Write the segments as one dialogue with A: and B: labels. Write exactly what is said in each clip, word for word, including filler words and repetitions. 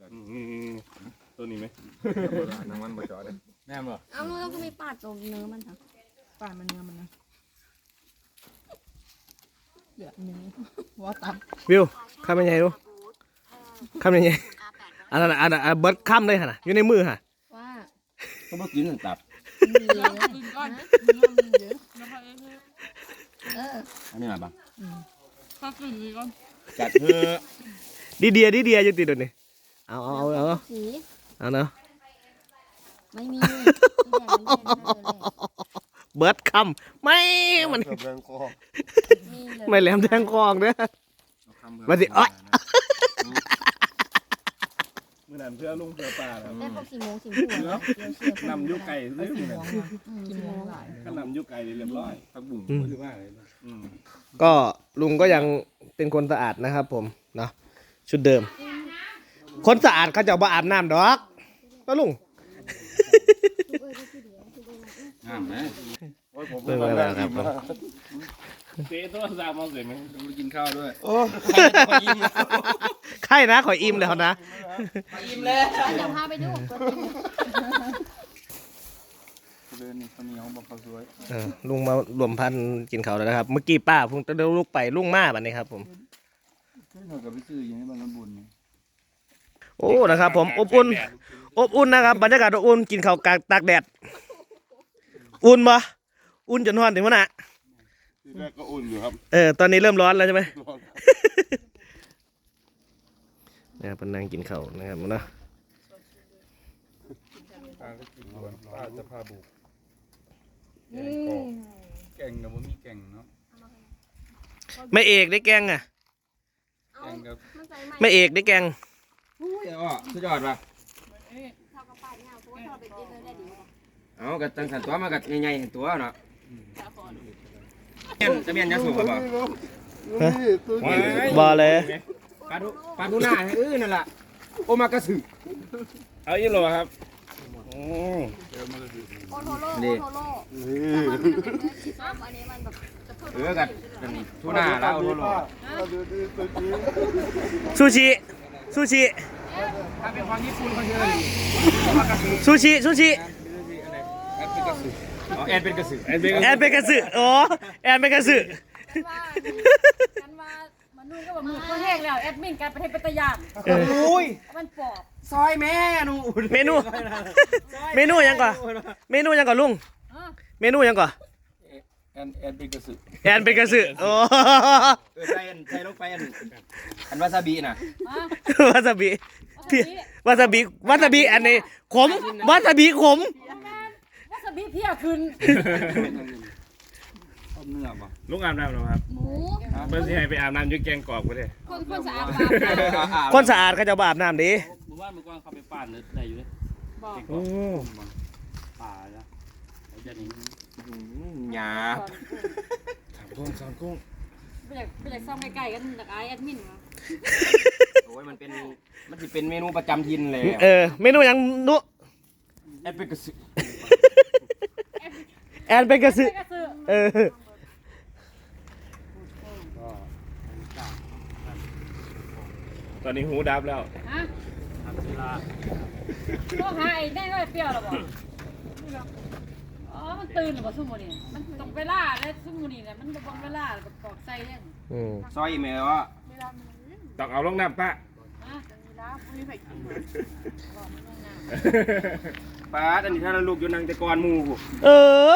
A: ตัวนี้ไหมน้ำมันบดจอดเลยแม่นบ่
B: เอาแล้วก็มีปาดตรงเนื้อมันค่ะ
C: ปาดมันเนื้อมันนะเดือดเนื้อว่าตับ
D: วิวข้ามยังไงดูข้ามยังไงอันนั้นอันนั้นเบิร์ดข้ามเลยฮะอยู่ในมือฮะ
B: ว่า
A: ก็เมื่อกี้นั่นตับ
B: มีเยอะ
C: กินก้อนเนื้อมันเยอะแล้วก็เออ
B: เออ
A: อันนี้มาบ้าง
C: ถ้ากินดีก้อน
A: จัดเพื่อ
D: ดีเดียดีเดียยังติดตัวนี้เอาเอาเอาเอา
B: สี
D: เอาเนาะ
B: ไม่มี
D: เบิร์ดข้ามไม่มันไม่แหลมแทงคองเด้อมาสิอ้อย
A: เมื่อนั้นเพื่อลุงเพื่อป่าแล้ว
B: ได้พวกสีโมงสีหัวแล้วเชื่อน
A: ำยุไก่เรื่องนี้
C: กินโมงหลาย
A: ก็นำยุไก่เรียบร้อยผักบุ้งหรือว่าอะไรอืม
D: ก็ลุงก็ยังเป็นคนสะอาดนะครับผมเนาะชุดเดิม คนสะอาดเขาจะบ่อาบน้ำดอกก็ลุง
A: งามไหม
D: เรื่องอะไรครับ
A: เจ๊ตัวสามมองเสร็จไหมไปกินข้าวด้วย
D: โอ้ใครนะขออิ่มแล้วนะ
B: อิ่มเลยเดี๋ยวพาไปดูตัวจริง
A: เดินนี่คนนี้เขาบอกเขาสวย
D: เออลุงมารวมพันธุ์กินเขาวแล้วนะครับเมื่อกี้ป้าเพิ่งจะเดินลุกไปลุงมาแบบนี้ครับผม
A: เฮ้ยเรากับพี่ซื้ออย่างนี้บ้านบุญ
D: โอ้นะครับผมอบอุ่นอบอุ่นนะครับบรรยากาศอบอุ่นกินข้าวกลางตากแดดอุ่นปะอุ่นจนร้อนถึงวะน่ะ
A: ทีแรกก็อุ่นอยู่ครับ
D: เออตอนนี้เริ่มร้อนแล้วใช่ไหมเนี่ยเป็นนางกินข้าวนะครับเนาะ
A: ป้าก็กินก่อนป้าจะพาบุกแกงกับว่ามีแกงเนาะ
D: ไม่เอกได้แกงอ่ะ
A: แกงกับ
D: ไม่เอกได้แกง
A: อุ้ยอ๋อสุดยอดป่ะเอากระตังสันตัวมากัดใหญ่ๆเห็นตัวเนาะเมียนจะเมียนจะสูบป่ะ
D: บอเลย
A: ปลาดุปลาดุหน้าเออนั่นแหละโอมากระสือเอาอีโลครับโอ้
B: โอโทโร่โอโทโร่อันนี้มันแบบจะเพิ่ม
A: เออกัดทุน่าแล้วโอโล
D: ซูชิซูชิ
A: ถ้าเป็นความญี่ปุ่นเขาเชื่อเลย
D: ซูชิซูชิ
A: แอนเป็นกระสือแอนเป็นกระสือ
D: แอนเป็นกระสืออ๋อแอนเป็นกระสือ
E: กันว่ามันนู่นก็แบบมือก็แห้งแล้วแอดมินการประเทศปัตยาน
D: โอ้ย
E: มันปอบ
A: ซอยแม่นู
D: เมนูเมนูยังก่อนเมนูยังก่อนลุงเมนูยังก่อน
A: แอนแอนเป็นกระสือ
D: แอนเป็นกระสือโอ้
A: เออใส่อันใส่ลงไปอันอันวาซาบิน่ะ
D: วาซาบิพี่วาซาบิวาซาบิอันนี้ขมวาซาบิขม
E: วาซาบิเพี้ยขึ้น
A: ต้มเนื้อป่ะ
F: ลุงอาบน้ำหรอครับ
B: หมู
F: เพื่อนที่ให้ไปอาบน้ำยุกแกงกรอบก็ได้
E: คนคนสะอาด
D: คนสะอาดเขาจะบอาบน้ำดี
F: หมู่บ้านเมื่อก่อนเขาไปป่านเลยได้อยู่เลย
E: บอก
D: โอ้
F: ป่าจ้ะเขาจะนี่
A: หยาบ
F: สามกุ้งสามกุ้ง
E: ไปอยากไปอยากซ่อมใกล้ๆกันจากไอ้แอดมินมา
A: โอ้ยมันเป็นมันจะเป็นเมนูประจำถิ่นเลย
D: เออเมนูยังนุ
A: แอนเป็นกระสือ
D: แอนเป็นกระสือ
E: ก็คือ
D: เออ
F: ตอนนี้หูดับแล้ว
E: ฮะ
F: ทำเวลา
E: ต้องหาไอ้แน่ก็ไอ้เปรี้ยวหรอบอกอ๋อมันตื่นหรือเปล่าซุ่มโมนี่มันต้องเวลาแล้วซุ่มโมนี่เนี่ยมันบางเวลาแบบกอกใส่เนี่ย
D: อืม
A: ซอยแม่ว่า
F: ต้องเอาลงน้ำปะ
E: ฮะ
A: ป้าอันนี้ถ้าเราลูกอยู่นางแต่กอนมู
D: เออบ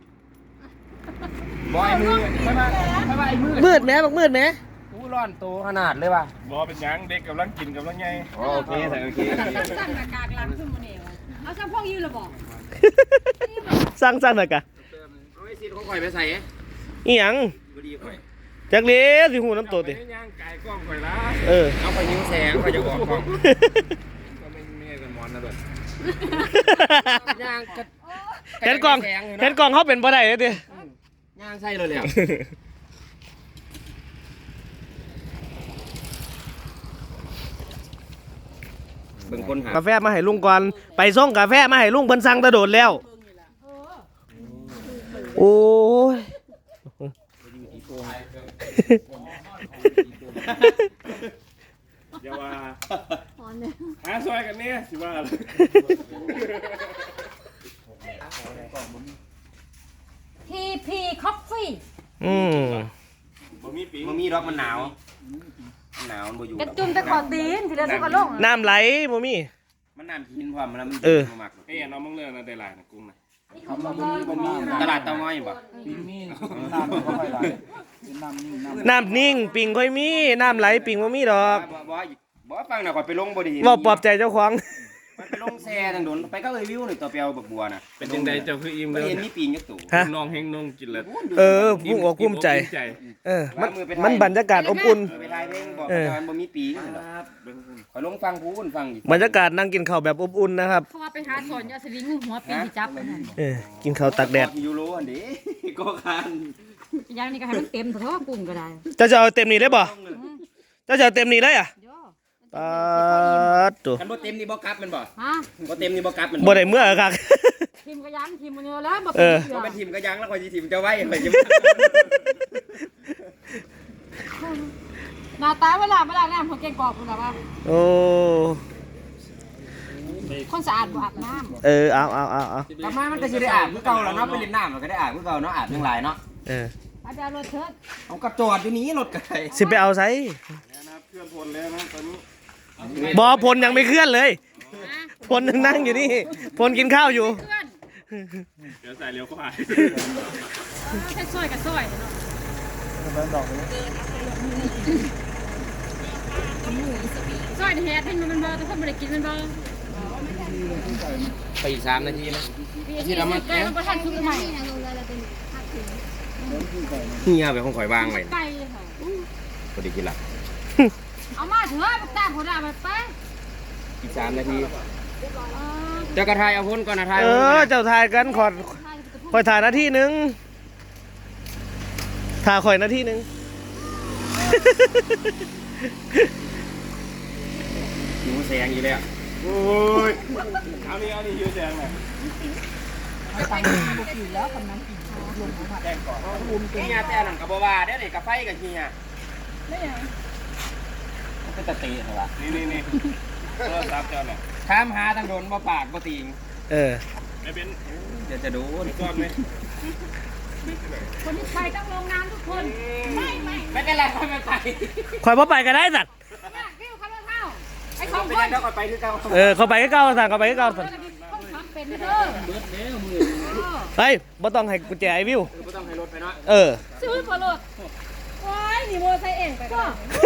A: อยมือไม่มาไม่มาไอ้มือ
D: มืดไหมบอกมืดไหม
A: อู้ร้อนโตขนาดเลยว่ะ
F: บอเป็นหยังเด็กกำลังกินกำลังไง
A: โอเคใส่โอเค
E: ตั้งหน้ากากหลังซุ่มโมนี่เอาซ้ำพวกยืนหรอบอก
D: สร้างสร้างหน่อยกะ
A: เอาไอ้ซีนของข่อยไปใส่
D: อีหยัง
A: บดีข่อย
D: จักเลี้ยสิหูน้ำตัวติ
F: เอาไปย่างไก่กล้องข่อยละ
D: เออ
A: เอาไปยิงแสงข่อยจะออกกล้อง
F: ก็ไม่ไม่กันมอนนะเบิด
A: ย่างกระ
D: เห็นกล่องเห็นกล่องเขาเป็นบ่ได้เลยติ
A: ย่างใส่เลยเลยเบิ่งคนหาก
D: าแฟมาให้ลุงก่อนไปส่งกาแฟมาให้ลุงเพิ่นสั่งตะโดดแล้วโอ้ย
F: อย่าว่า
B: หอนเลย
F: ฮะซอยกันเนี่ยสิว่าอะไร
E: ทีพีคอฟฟี่
D: อืม
F: บ่มีปี
A: มันมีดอกมันหนาวมันหนาวมันบ่อยู่
E: กระจุ่มแต่ขอตีนทีเดียวสุกกระลง
D: น้ำไหลบ่มี
A: มันน้ำกินพร้อมมันมัน
D: เออ
A: มัก
F: เอ้ยน้องมึงเลือกนะได้หลายนะกุ้งนะ
C: ทำมาบ่มีบ่มี
A: ตลาดเตาง้อยบ่
C: ปีนี้น้ำก็ค่อยไหลน้ำนี่น้ำ
D: น้ำนิ่งปิงค่อยมี น้ำไหลปิงบ่มีดอก
A: บ่บ่บ่ฟังน่ะข่อยไปลงบ่ดี
D: เว้าปลอบใจเจ้าของ
A: มันไปลงแซ่ทางโดนไปก็เอ้ยวิวนี่ตัวเปียวบักบัวน่ะ
F: เป็นยังไงเจ้าคืออิ่ม
A: บ่
F: เลย
A: เห็นมีปีงจักตู่
D: ฮะ
F: น้องเฮงน้องกินเลย
D: เออผู้อกภูมิใจ เออ มันมันบรรยากาศอบอุ่น
A: เออไปถ่ายเพลงบอก
D: เออ
A: ว่ามันบ่มีปีงข่อยลงฟังผู้คนฟังอีก
D: บรรยากาศนั่งกินข้าวแบบอบอุ่นนะครับ
E: เพราะว่าไปหาสอนยาสลิงหัวปีที่จับมันนั่น
D: เออ กินข้าวตากแดด
A: ยูโรอันนี้ ก็คาน
E: อย่างนี้ก็ให้มันเต็มเถอะกุ้งก็ได้
D: เจ้าจะเอาเต็มนี้ได้บ่เจ้าจะเอาเต็มนี้เลยอ่ะ
E: โย่
D: ปาดตัว
A: กันบ่เต็มนี่บ่กลับแมันบ่
E: ฮะ
A: บ่เต็มนี่บ่กลับแมัน
D: บ่ได้เมื่อครับ
E: ทีมก็ยันทีมมันเยอะแล้วบ่
D: เอ
E: เป็น
D: อ
E: เสือ
A: บ่เป็นทีมก็ยังแล้วข่อยสิทีมจะไว้ข่อยจะ
E: หน้าตาเวลาเวลาน้ำของเก่งกอกคุณแบบว่า
D: โอ้
E: คนสะอาดบ่อาบน้
D: เออ เอาเอาเอาเอา
A: กลับมามันก็สิได้อาบคือเก่าแล้วเนาะไปเล่นน้ำมันก็ได้อาบคือเก่าเนาะอาบทั้งหลายเนาะ
D: เออ
E: ำอาจารย์รถเถิด
A: เอากระจอดอยู่นี้รถก็ได้
D: สิไปเอาไซ
F: นะครับเคลื่อนพลแล้วนะตอนนี้
D: บอพลยังไม่เคลื่อนเลย พลยังนั่งอยู่นี่ พลกินข้าวอยู่
E: เพื่อน
F: เดี๋ยวใส่เร็วก็หาย
E: แค่ซอยกับซอยเนาะ
C: แล้วดอกนี้
E: ซอยแฮดให้มันมันบ่แต่คนบ่ได้กินมันบ่
A: ไปอีกสามนาทีนะ
E: ที่เรามาแกมันบ่ทันสุกใหม่
A: เฮียไปของข่อยวางไว้
E: ไก่ค่ะ
A: บ่ได้กินละ
E: เอามาเถอะบักตาคนเอาไปไป
A: อีกสามนาทีเจ้ากระทายเอาพ้นก่อนนะทาย
D: เออ เจ้าทายกันขอคอยถ่ายนาทีหนึงถ่ายคอยนาทีหนึง
A: หิวแสงอยู่แล้ว
F: โอ้ยเอานี่เอานี่ยืดแดงเลย
A: เฮียแต่นั่นก็บ่ว่าเด้อนี่กาไฟกับเฮียมันเป็นตะตีเหรอวะ
F: นี่นี่นี่โทรศัพท์เจ้าน่ะ
A: ถามหาทางโดนบ่ปากบ่ติง
D: เออ
F: ไม่เป็น
A: เดี๋ยวจะโดน
F: ก้อนไหม
E: คนที่ไปต้องลงน้ำทุกคนไม่ไม่
A: ไม่เป็นไรไม่เป็นไร
D: คอยพ่อไปก็ได้สัตว์
E: มากกิ้วเขาเท่าไอ้ของ
A: ไม่
E: ค
A: ได้
E: น
A: เดี๋ยวก่อนไปคือเก่า
D: เออ เขาไปก็เก้าสั่งเขาไปก็เก้าสั่ง
E: ต้องทำเป็นเด้อ
D: เฮ้ยบ่ต้องให้กุญแจไอ้วิว
A: ไม่ต้องให้รถไปเนาะ
D: เออ
E: ซื้อพอรถว้ายนี่โมไซเองไปก็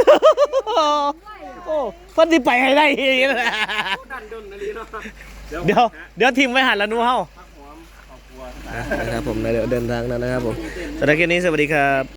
D: โอ้เพิ่นสิไปให้ได้อีกนะ
A: ดันดนนาลีเนาะ
D: เดี๋ยว เดี๋ยวทีมไว้หันแล้วหนูเฮา
F: พักหอมครอบครัว
D: นะครับผมเดี๋ยวเดินทางแล้วนะครับผมสำหรับคลิปนี้สวัสดีครับ